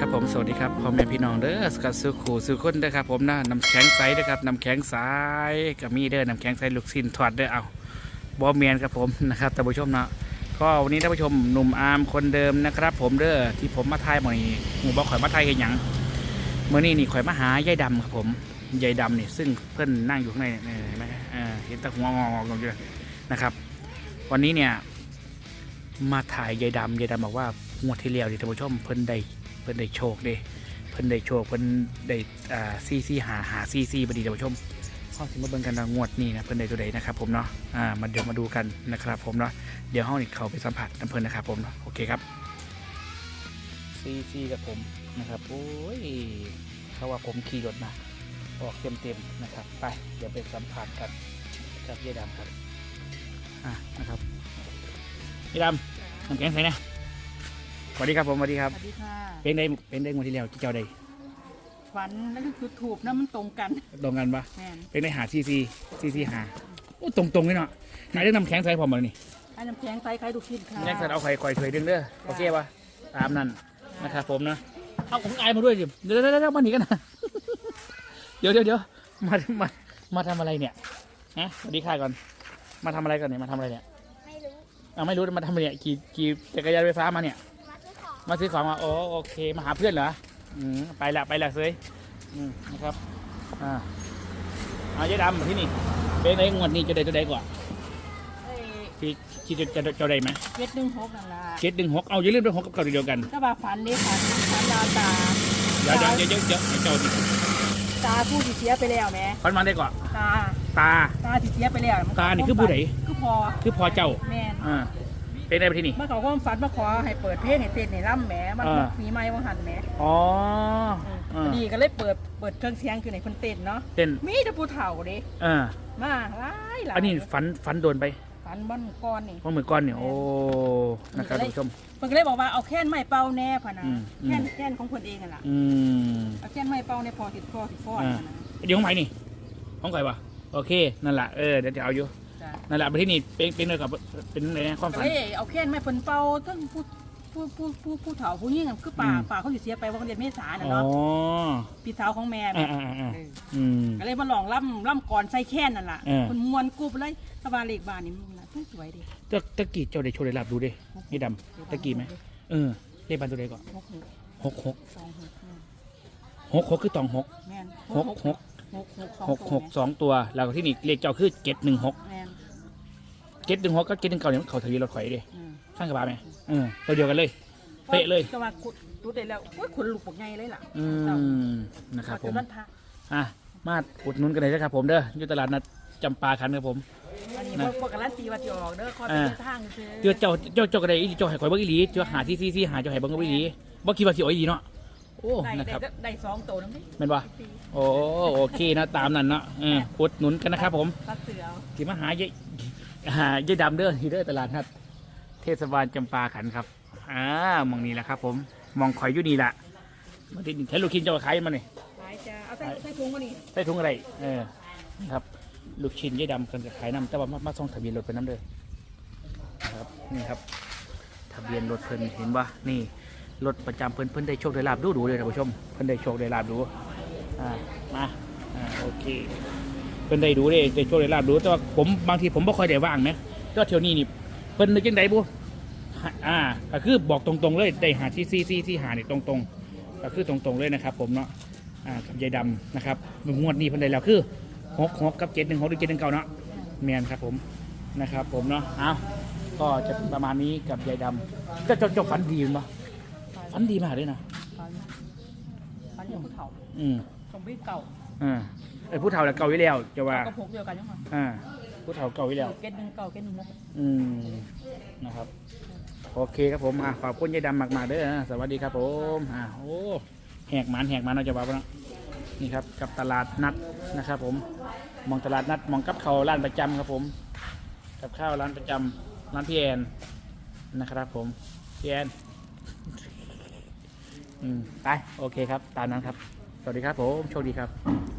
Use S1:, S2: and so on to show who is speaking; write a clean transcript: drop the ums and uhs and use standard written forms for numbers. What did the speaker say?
S1: ครับผมสวัสดีครับพ่อแม่พี่น้องเด้อสกัดซื้อขู่ซื้อคนเด้อครับผมนะน้ำแข็งใสเด้อครับน้ำแข็งใสกับมีเด้อน้ำแข็งใสลูกชิ้นทอดเด้อเอาบอเมียนครับผมนะครับท่านผู้ชมนะก็วันนี้ท่านผู้ชมหนุ่มอาร์มคนเดิมนะครับผมเด้อที่ผมมาทายหมอนี่หมู่บอกข่อยมาทายกันยังเมื่อนี้นี่ข่อยมาหายายดำครับผมยายดำนี่ซึ่งเพื่อนนั่งอยู่ข้างในเนี่ยเห็นไหมเห็นตะหัวงอกอยู่นะครับวันนี้เนี่ยมาถ่ายยายดำบอกว่างวดที่แล้วที่ท่านผู้ชมเพิ่นได้โชคเด้เพิ่นได้โชคเพิ่นได้ซีหาซีบดีท่านผู้ชมเข้าถึงมาเบิ่งกันงวดนี้นะเพิ่นได้ตัวใดนะครับผมเนาะมาเดี๋ยวมาดูกันนะครับผมเนาะเดี๋ยวห้องนี้เขาไปสัมผัสน้ำเพิ่นนะครับผมเนาะโอเคครับซีกับผมนะครับโอ้ยเขาว่าผมขี่รถมาออกเต็มนะครับไปเดี๋ยวไปสัมผัสกันกับยายดำครับนะครับยายดำน้ำแข็งใส่นะสวัสดีครับผมสวัสดีครับ
S2: สวัสดีค่ะ
S1: เป็นได้งวดที่แล้วเจ้าใด
S2: ฝันแล้วก็คือถูกนะมันตรงกัน
S1: ปะ
S2: แม่น
S1: เป็นได้หาซีหาโอ้ตรงเลยเนาะนายได้นำแข็งใส่ผมมานี่
S2: ไอ้น้ำแข็งใส่ไข่ลูกชิ้นค่ะ
S1: แยกใส่เอาไข่ถวยดึงเด้อโอเคปะตามนั้นนะครับผมนะเอาของไอมาด้วยดิเดี๋ยวมาหนีกันนะเดี๋ยวมาทำอะไรเนี่ยนะสวัสดีค่ะก่อนมาทำอะไรก่อนเนี่ยมาทำอะไรเนี่ยไม่รู้มาทำอะไรเนี่ยขี่จักรยานไฟฟ้ามาเนี่ยมาซื้อของมาโอเคมาหาเพื่อนเหรอไปละเซยนะครับเอาเจ๊ดำที่นี่เป็นไงงวดนี้จะได้ตัวใดก่อนที่จะได้ไหม
S2: 716นั่นล่ะ
S1: 716เอาอย่าลืมด้วย6กับเก่าเดียวกัน
S2: ก็ว่าฝันนี่ค่ะฝันลาตา
S1: เดี๋ยวเจ้าดิ
S2: ตาผู้ที่เสียไปแล้วแม่
S1: ฝันมาได้ก่อนตา
S2: ที่เสียไปแล้ว
S1: ตานี่คือผู้ใด
S2: คือพอ
S1: เจ้า
S2: แม่
S1: เป็นได้ไปที่นี่
S2: เมื่อเขาก็ฝันมาขอให้เปิดเพลงให้เต้นให้ร่ำแหมมันมีไม้ว่าหันแหมดีก็เลยเปิดเครื่องเสียงคือในคนเต้นเนาะ
S1: เต้น
S2: มีแต่ผู้เฒ่าดิมาหลาย
S1: อันนี้ฝันโดนไป
S2: ฝันบ้านก้อนนี่
S1: เหมือนก้อนเนี่ยโอ้นะครับท่านผู้ชม
S2: เพิ่นก็เลยบอกว่าเอาแค่นไม้เป่าแน่พะนะแค่นของเพิ่นเองอ่ะล่ะเอาแค่นไม้เป่าในพอติดฟอดนะ
S1: เดี๋ยวของใหม่นี่ของใครวะโอเคนั่นแหละเดี๋ยวจะเอาอยู่นั่นแหละไปที่นี่เป็นเลยกับเป็นอะไรนะความฝัน
S2: เอาแค่นไม้เพิ่นเป่าทั้งผู้เฒ่าผู้ยิ่งคือป่าเขาสิเสียไปว่าเดือนเมษายนน่ะเนาะพี่สาวของแม่ก็เลยมาลองล่ำก่อนใส่แค่นนั่นแหละคนมวนกุบเลยสบายเล็กบ้านนี่มันสวยดิ
S1: ตะกี้เจ้าได้โชว์ได้รับดูดินี่ดำตะกี้ไหมเลขบ้านตัวใดก่อน66คือ26 6 2ตัวแล้วก็ที่นี่เลขเจ้าคือ716ก็719เนี่ยเขาทะเบียนรถไฟดิข้างกระบะไหมตัวเดียวกันเลยเป๊ะเลย
S2: ก็ว่าดูได้แล้วขนลุกปกไงเลยล่ะ
S1: นะครับผมมาอุดหนุนกันเลยนะครับผมเด้ออยู่ตลาดนัดจำปาขันครับผม
S2: อันนี้พวกกันร้านตีวัดยอกเด้อคอยเป็นทาง
S1: ซื้อเจ้ากันได้เจ้าไห่ข่อยบักอีหลีเจ้าหาที่หาเจ้าไห่บังบักอีหลีบักคิดว่าสิอ๋อยดีเนาะโอ้นะครับ
S2: ได้2ตัวนึง
S1: เป็นป่ะโอเคนะตามนั้นเนาะอุดหนุนกันนะครับผมที่มาหายายดำเด้อที่เด้อตลาดนัดเทศบาลจำปาขันครับมองนี่แหละครับผมมองข่อยอยู่นี่แหละมาติดใช้ลูกชิ้นเจ้าขายมาเนี่ย
S2: ขายจะเอาใส่ถุงมานี่
S1: ใส่ถุงอะไรครับลูกชิ้นยายดำกันจะขายน้ำแต่ว่ามาส่งทะเบียนรถเป็นน้ำเด้อครับนี่ครับทะเบียนรถเพิ่นเห็นว่านี่รถประจำเพิ่นได้โชคได้ลาบดูเลยท่านผู้ชมเพิ่นได้โชคได้ลาบดูมาโอเคเพิ่นได้ดูได้โชคได้ลาบดูแต่ว่าผมบางทีผมไม่ค่อยได้ว่างนะก็เที่ยวนี้นี่เพิ่นนึกยังไงบุก็คือบอกตรงๆเลยได้หาที่หาเนี่ยตรงๆก็คือตรงๆเลยนะครับผมเนาะกับยายดำนะครับงวดนี้เพิ่นได้แล้วคือ6กับ716หรือ719เนาะแมนครับผมนะครับผมเนาะก็จะประมาณนี้กับยายดำก็จะฝันดีมั้ยฝันดีมากเลยนะ
S2: ฝันอย่างผู้เฒ่าสมบูรณ์เก่า
S1: ผู้เฒ่าแล้วเก่าอยู่แล้วจะว่า
S2: ก็พกเดียวกันยังไง
S1: ผู้เฒ่าเก่าอยู่แล้วนะครับโอเคครับผมขอบคุณยายดำมากๆเด้อสวัสดีครับผมโอ้แหกมันเราจะว่านะนี่ครับกับตลาดนัดนะครับผมมองตลาดนัดมองกับข้าวร้านประจำครับผมกับข้าวร้านประจำร้านพี่แอนนะครับผมพี่แอนไปโอเคครับตามนั้นครับสวัสดีครับผมโชคดีครับ